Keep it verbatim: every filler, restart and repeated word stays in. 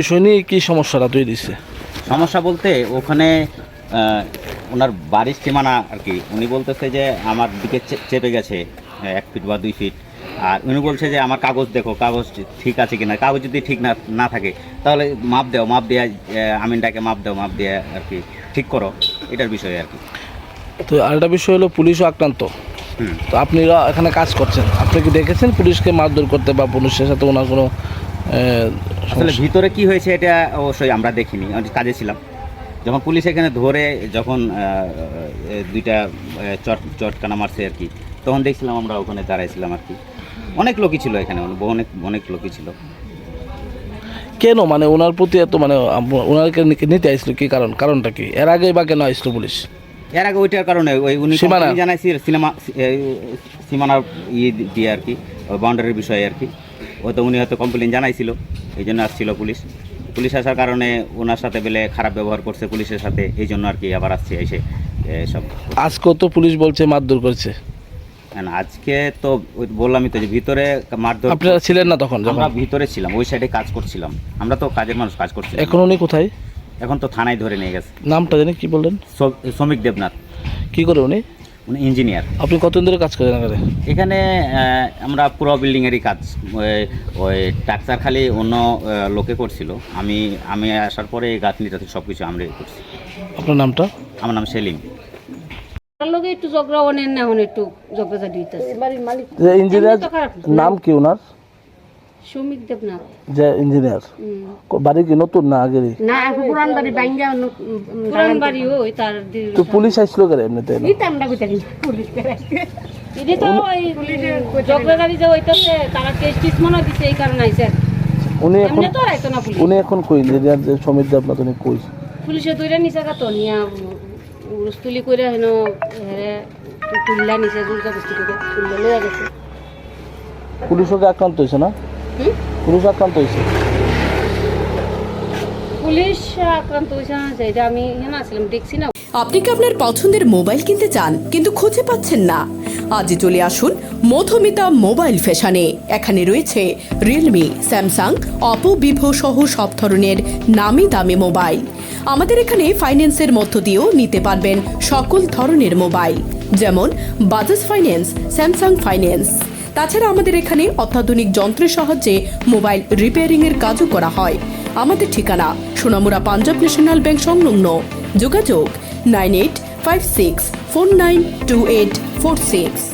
বিষয় নিয়ে কি সমস্যাটা তৈরি দিচ্ছে? সমস্যা বলতে ওখানে ওনার বাড়ির সীমানা আর কি, উনি বলতেছে যে আমার দিকে চেপে গেছে এক ফিট বা দুই ফিট, আর উনি বলছে যে আমার কাগজ দেখো, কাগজ ঠিক আছে কিনা, কাগজ যদি ঠিক না না থাকে তাহলে মাপ দাও, মাপ দিয়ে আমিনটাকে মাপ দাও, মাপ দিয়ে আর কি ঠিক করো, এটার বিষয়ে আর কি। তো আরেকটা বিষয় হলো পুলিশও আক্রান্ত। হুম তো আপনারা এখানে কাজ করছেন, আপনি কি দেখেছেন পুলিশকে মারধর করতে বা পুলিশের সাথে ওনার কোনো? আসলে ভিতরে কি হয়েছে এটা অবশ্যই আমরা দেখিনি, আমি কাজে ছিলাম। যখন পুলিশ এখানে ধরে যখন দুইটা চট চটকানা মারছে আর কি, তখন দেখছিলাম আমরা ওখানে দাঁড়াইছিলাম আর কি। অনেক লোকই ছিল এখানে, অনেক অনেক লোকই ছিল। কেন মানে ওনার প্রতি এত মানে ওনাকে নিতে আসছিল কি কারণ? কারণটা কি? এর আগে বা কেন আসছিল পুলিশ? এর আগে ওইটার কারণে ওই উনি জানাইছি সিনেমা সীমানার ইয়ে দিয়ে আর কি, বাউন্ডারির বিষয়ে আর কি, হয়তো উনি হয়তো কমপ্লেন জানাইছিল, এই জন্য আসছিল পুলিশ। পুলিশ আসার কারণে ওনার সাথে বেলে খারাপ ব্যবহার করছে পুলিশের সাথে, এই জন্য আর কি আবার আসছে এসে সব। আজকেও তো পুলিশ বলছে মারধর করছে। হ্যাঁ, আজকে তো বললামই তো যে ভিতরে মারধর। আপনারা ছিলেন না তখন? আমরা ভিতরে ছিলাম, ওই সাইডে কাজ করছিলাম, আমরা তো কাজের মানুষ, কাজ করছিলাম। এখন উনি কোথায়? এখন তো থানায় ধরে নিয়ে গেছে। নামটা জানি কি বললেন? শ্রমিক দেবনাথ। কি করে উনি? উনি ইঞ্জিনিয়ার। আপনি কতদিন ধরে কাজ করেন এখানে? এখানে আমরা পুরো বিল্ডিংয়েরই কাজ, ওই টাকচার খালি অন্য লোকে করছিল, আমি আমি আসার পরে এই গাঁথনিটা সব কিছু আমরাই করছি। আপনার নামটা? আমার নাম সেলিম। লোকে একটু ঝগড়া অনেন না, এখন একটু ঝগড়া দিতেছে। ইঞ্জিনিয়ার নাম কি ওনার? শ্রমিক দেবনাথ। যে ইঞ্জিনিয়ার, বাড়ি কি নতুন না আগেরই? না, পুরান বাড়ি ভাঙ্গা, পুরান বাড়ি ওই তার। তো পুলিশ আসলো কেন এমনিতে? পুলিশ এটা তো ওই ঝগড়াঝাড়ি যে হইতেছে, তারা কেস টিস মনে দিচ্ছে, এই কারণে আইছে। উনি এখন তো আইতো না পুলিশ। উনি এখন কই? ইঞ্জিনিয়ার যে শ্রমিক দেবনাথ উনি কই? পুলিশে দুইটা নিচে গাতো নিয়া রুস্তুলি করে হেন হেরে তুললা নিচে জুলকা বস্তি করে তুললে লয়ে গেছে। পুলিশও কি আক্রান্ত হয়েছে না? পুলিশ আক্রান্ত হয়েছে? পুলিশ আক্রান্ত হয়েছে না, যেটা আমি এখানে আসলাম দেখছি না। আপনি কি আপনার পছন্দের মোবাইল কিনতে চান কিন্তু খুঁজে পাচ্ছেন না? আজই চলে আসুন মধুমিতা মোবাইল ফ্যাশনে। এখানে রয়েছে রিয়েলমি, স্যামসাং, অপো, ভিভো সহ সব ধরনের নামি দামি মোবাইল। আমাদের এখানে ফাইন্যান্সের মধ্য দিয়েও নিতে পারবেন সকল ধরনের মোবাইল, যেমন বাজাজ ফাইন্যান্স, স্যামসাং ফাইন্যান্স। তাছাড়া আমাদের এখানে অত্যাধুনিক যন্ত্রের সাহায্যে মোবাইল রিপেয়ারিং এর কাজও করা হয়। আমাদের ঠিকানা সোনামুড়া পাঞ্জাব ন্যাশনাল ব্যাংক সংলগ্ন। যোগাযোগ nine eight five six four nine two eight four six.